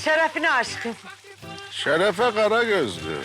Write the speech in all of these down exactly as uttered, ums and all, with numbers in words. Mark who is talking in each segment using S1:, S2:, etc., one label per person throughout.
S1: Şerefine aşkım.
S2: Şerefe kara gözlü.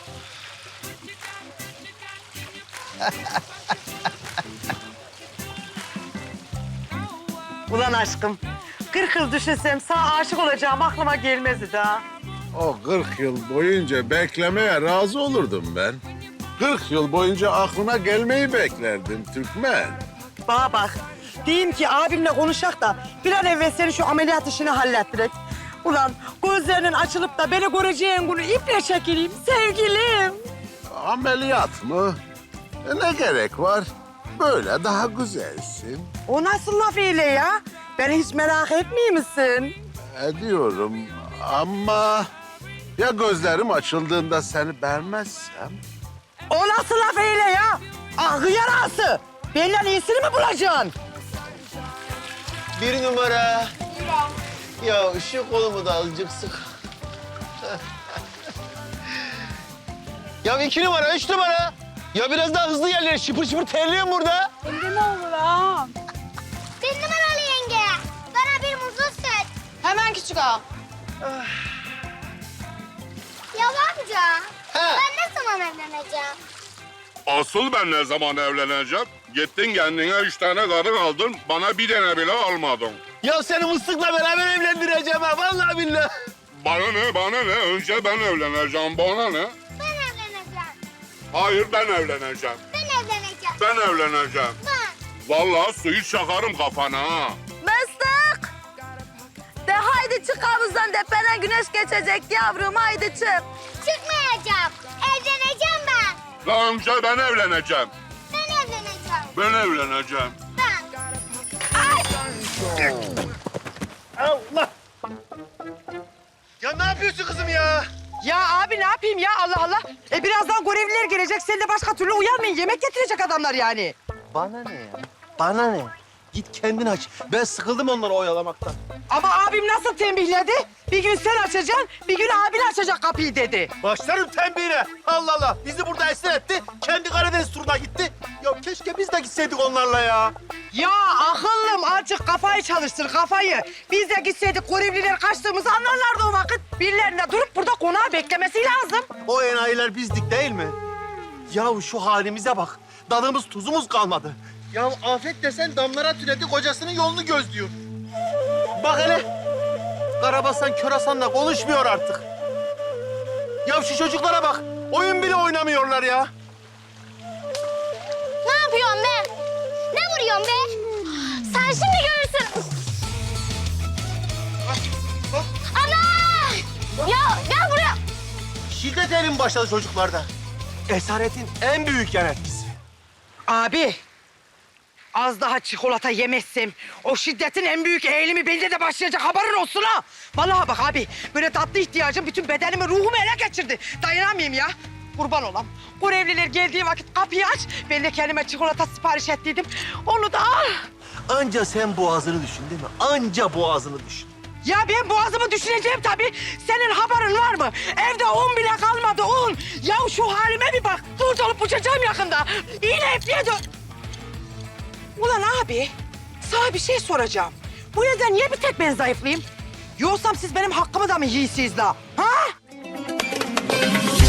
S1: Ulan aşkım, kırk yıl düşünsem sana aşık olacağım aklıma gelmezdi daha.
S2: O kırk yıl boyunca beklemeye razı olurdum ben. Kırk yıl boyunca aklına gelmeyi beklerdim Türkmen.
S1: Bana bak, diyeyim ki abimle konuşak da bir an evvel senin şu ameliyat işini hallettirek. Ulan gözlerinin açılıp da beni göreceğin günü iple çekileyim sevgilim.
S2: Ameliyat mı? E ne gerek var? Böyle daha güzelsin.
S1: O nasıl laf öyle ya? Beni hiç merak etmiyor musun?
S2: Ediyorum ama ya gözlerim açıldığında seni beğenmezsem?
S1: O nasıl laf öyle ya? Ah yarası! Benden iyisini mi bulacaksın?
S3: Bir numara. Ya şu kolumu da azıcık sık. Ya iki numara, üç numara. Ya biraz daha hızlı yerlere şıpır şıpır terliyorum burada.
S4: Emre ne olur ağam.
S5: Bir numaralı yenge. Bana bir muzlu süt.
S4: Hemen küçük ağam.
S5: Ya amca.
S3: He.
S5: Ben ne zaman evleneceğim?
S6: Asıl ben ne zaman evleneceğim? Gittin kendine üç tane karı aldın, bana bir tane bile almadın.
S3: Ya seni mıstıkla beraber evlendireceğim ha, vallahi billahi.
S6: Bana ne, bana ne? Önce ben evleneceğim, bana ne?
S5: Ben evleneceğim.
S6: Hayır, ben evleneceğim.
S5: Ben evleneceğim.
S6: Ben evleneceğim.
S5: Ben.
S6: Vallahi suyu çakarım kafana ha.
S4: Mıstık. De haydi çık havuzdan tepeden güneş geçecek yavrum haydi çık.
S5: Çıkmayacağım. Evleneceğim ben.
S6: Daha önce ben evleneceğim.
S5: Ben evleneceğim.
S6: Ben evleneceğim.
S5: Ben.
S3: Allah! Ya ne yapıyorsun kızım ya?
S1: Ya abi ne yapayım ya Allah Allah. E birazdan görevliler gelecek. Sen de başka türlü uyanmayın. Yemek getirecek adamlar yani.
S3: Bana ne ya? Bana ne? Git kendin aç. Ben sıkıldım onları oyalamaktan.
S1: Ama abim nasıl tembihledi? Bir gün sen açacaksın, bir gün abin açacak kapıyı dedi.
S3: Başlarım tembihine. Allah Allah. Bizi burada esir etti. Kendi Karadeniz turuna gitti. Ya keşke biz de gitseydik onlarla ya.
S1: Ya akıllım azıcık kafayı çalıştır kafayı. Biz de gitseydik görevliler kaçtığımızı anlarlardı o vakit. Birilerine durup burada konağı beklemesi lazım.
S3: O enayiler bizdik değil mi? Ya şu halimize bak. Dadımız tuzumuz kalmadı. Ya afet desen damlara türedi kocasının yolunu gözlüyor. Bak hele. Karabasan Körasan'la konuşmuyor artık. Ya şu çocuklara bak. Oyun bile oynamıyorlar ya.
S5: Ne yapıyorsun be? Ne vuruyorsun be? Sen şimdi görürsün. Ana! Ya gel buraya.
S3: Şiddet elim başladı çocuklarda. Esaretin en büyük yan etkisi.
S1: Abi, az daha çikolata yemezsem o şiddetin en büyük eğilimi bende de başlayacak haberin olsun ha. Vallahi bak abi, böyle tatlı ihtiyacım bütün bedenimi, ruhumu ele geçirdi. Dayanamayayım ya. Kurban olam. Görevliler geldiği vakit kapıyı aç. Ben de kendime çikolata sipariş ettiydim. Onu da al.
S3: Anca sen boğazını düşün değil mi? Anca boğazını düşün.
S1: Ya ben boğazımı düşüneceğim tabii. Senin haberin var mı? Evde un bile kalmadı un. Ya şu halime bir bak. Dur dolup uçacağım yakında. İğne ipliğe dön. Ulan abi, sana bir şey soracağım. Bu yüzden niye bir tek ben zayıflayayım? Yoksam siz benim hakkımı da mı yiyorsunuz la? Ha?